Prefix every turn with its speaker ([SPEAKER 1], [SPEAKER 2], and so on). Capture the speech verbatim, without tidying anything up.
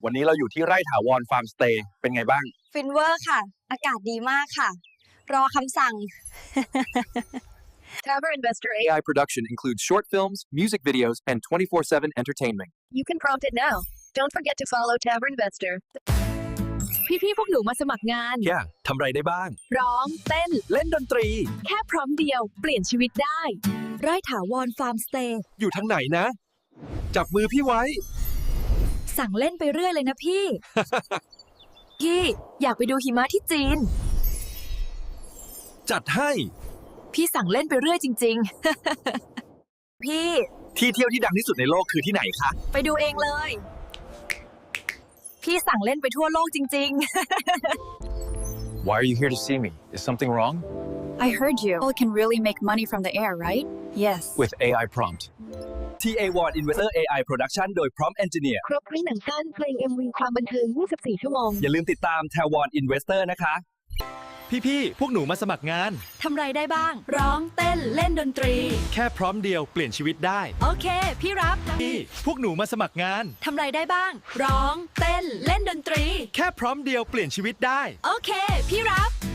[SPEAKER 1] วันนี้เราอยู่ที่ไร่ถาวรฟาร์มสเตย์เป็นไงบ้าง
[SPEAKER 2] ฟินเวอร์ค่ะอากาศดีมากค่ะรอคำสั่ง
[SPEAKER 3] Tavern Investor
[SPEAKER 4] A I production includes short films, music videos, and twenty-four seven entertainment.
[SPEAKER 3] You can prompt it now. Don't forget to follow Tavern Investor. พี่ๆพวกหนูมาสมัครงาน
[SPEAKER 4] แค่ทำไรได้บ้าง
[SPEAKER 3] ร้องเต้น
[SPEAKER 4] เล่นดนตรี
[SPEAKER 3] แค่พร้อมเดียวเปลี่ยนชีวิตได้
[SPEAKER 2] ไร่ถาวรฟาร์มสเตย์
[SPEAKER 4] อยู่ทางไหนนะ จับมือพี่ไว้
[SPEAKER 2] สั่งเล่นไปเรื่อยเลยนะพี่
[SPEAKER 3] พี่อยากไปดูหิมะที่จีน
[SPEAKER 4] จัดให้
[SPEAKER 3] พี่สั่งเล่นไปเรื่อยจริงๆ พี่
[SPEAKER 4] ที่เที่ยวที่ดังที่สุดในโลกคือที่ไหนคะ
[SPEAKER 3] ไปดูเองเลย พี่สั่งเล่นไปทั่วโลกจริง
[SPEAKER 5] Why are you here to see me? Is something wrong?
[SPEAKER 2] I heard you People can really make money from the air right Yes
[SPEAKER 5] With A I prompt.
[SPEAKER 4] ที เอ Ward Investor เอ ไอ Production โดย Prompt Engineer
[SPEAKER 3] ๆ ครบด้วยหนังสั้นเพลง เอ็ม วี ความบันเทิงยี่สิบสี่ชั่วโมง
[SPEAKER 4] อย่าลืมติดตาม Taiwan Investor นะคะ
[SPEAKER 6] พี่ๆ พวกหนูมาสมัครงาน
[SPEAKER 2] ทำไรได้บ้าง
[SPEAKER 3] ร้องเต้นเล่นดนตรี
[SPEAKER 6] แค่พร้อมเดียวเปลี่ยนชีวิตได้
[SPEAKER 2] โอเค พี่รับ
[SPEAKER 6] พี่ พวกหนูมาสมัครงาน
[SPEAKER 2] ทำไรได้บ้าง
[SPEAKER 3] ร้องเต้นเล่นดนตรี
[SPEAKER 6] แค่พร้อมเดียวเปลี่ยนชีวิตได้
[SPEAKER 2] โอเค พี่รับ